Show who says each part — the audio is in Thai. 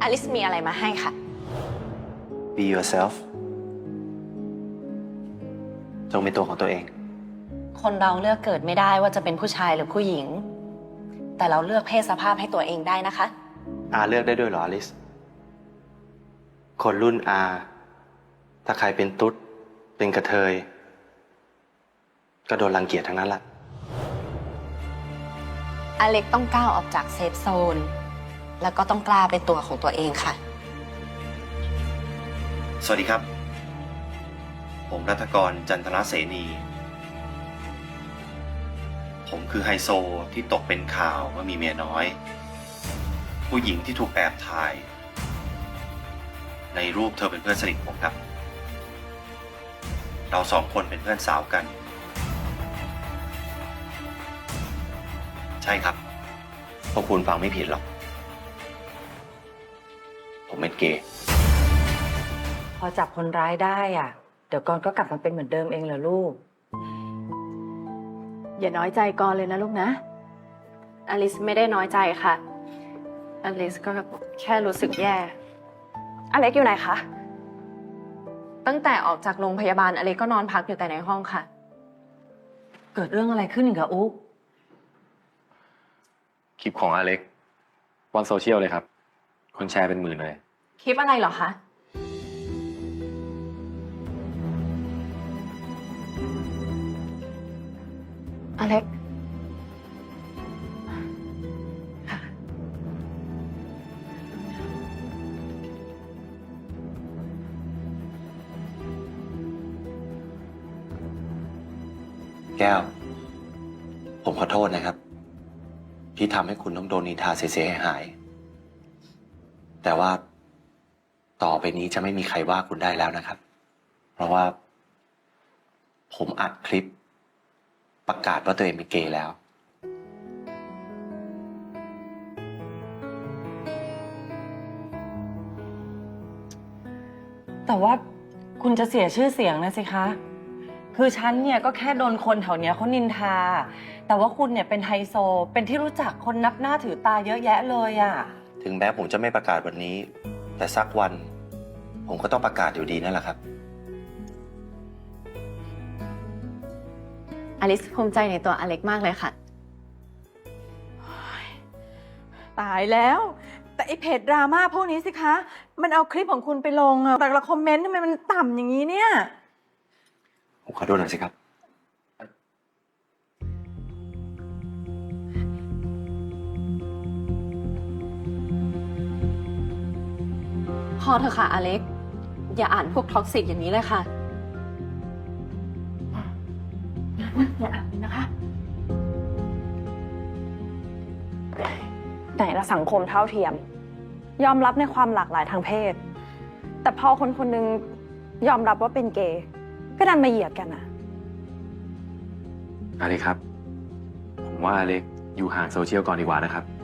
Speaker 1: อลิสมีอะไรมาให้ค่ะ
Speaker 2: Be yourself จงเป็นตัวของตัวเอง
Speaker 1: คนเราเลือกเกิดไม่ได้ว่าจะเป็นผู้ชายหรือผู้หญิง แต่เราเลือกเพศสภาพให้ตัวเองได้นะคะ
Speaker 2: อาเลือกได้ด้วยเหรออลิส คนรุ่นอาถ้าใครเป็นตุ๊ดเป็นกระเทยก็โดนรังเกียจทั้งนั้นแหละ
Speaker 1: อเล็กต้องก้าวออกจากเซฟโซน แล้วก็ต้องกล้าเป็นตัวของตัวเองค่ะ
Speaker 2: สวัสดีครับ ผมรัฐกรจันทรเสนี ผมคือไฮโซที่ตกเป็นข่าวว่ามีเมียน้อย ผู้หญิงที่ถูกแอบถ่าย ในรูปเธอเป็นเพื่อนสนิทผมครับ เราสองคนเป็นเพื่อนสาวกัน ใช่ครับพวกคุณฟังไม่ผิดหรอก ผมเป็นเกย์
Speaker 3: พอจับคนร้ายได้อ่ะ เดี๋ยวกรก็กลับมาเป็นเหมือนเดิมเองเหรอลูก อย่าน้อยใจกรเลยนะลูกนะ
Speaker 1: อลิสไม่ได้น้อยใจค่ะ อลิสก็แค่รู้สึกแย่ อเล็กอยู่ไหนคะ ตั้งแต่ออกจากโรงพยาบาลอเล็กก็นอนพักอยู่แต่ในห้องค่ะ
Speaker 3: เกิดเรื่องอะไรขึ้นกับอุ๊ก
Speaker 4: คลิปของอเล็กวันโซเชียลเลยครับ คนแชร์เป็นหมื่นเลย
Speaker 1: คลิปอะไรเหรอคะ อเล็ก
Speaker 2: แก้ว ผมขอโทษนะครับ ที่ทำให้คุณต้องโดนนินทาเสียหายๆแต่ว่าต่อไปนี้จะไม่มีใครว่าคุณได้แล้วนะครับ เพราะว่า ผมอัดคลิป ประกาศว่าตัวเองเป็นเกย์แล้ว
Speaker 3: แต่ว่าคุณจะเสียชื่อเสียงนะสิคะ คือฉันเนี่ยก็แค่โดนคนแถวเนี้ยเขานินทา แต่ว่าคุณเนี่ยเป็นไฮโซ เป็นที่รู้จักคนนับหน้าถือตาเยอะแยะเลยอะ
Speaker 2: ถึงแม้ผมจะไม่ประกาศวันนี้ แต่สักวัน ผมก็ต้องประกาศอยู่ดีนั่นแหละครับ
Speaker 1: อลิสภูมิใจในตัวอเล็กมากเลยค่ะ
Speaker 5: ตายแล้ว แต่ไอเพจดราม่าพวกนี้สิคะ มันเอาคลิปของคุณไปลงอะแต่ละคอมเมนต์ทำไมมันต่ำอย่างนี้เนี่ย
Speaker 2: ผมขอโทษหน่อยสิครับ
Speaker 1: พอเถอะค่ะอเล็ก อย่าอ่านพวกท็อกซิกอย่างนี้เลยค่ะ
Speaker 5: อย่าอ่านเลยนะคะ
Speaker 6: ไหนละสังคมเท่าเทียม ยอมรับในความหลากหลายทางเพศ แต่พอคนคนหนึงยอมรับว่าเป็นเกย์ก็ดันมาเหยียดกันอะ
Speaker 4: อเล็กครับ ผมว่าอเล็กอยู่ห่างโซเชียลก่อนดีกว่านะครับ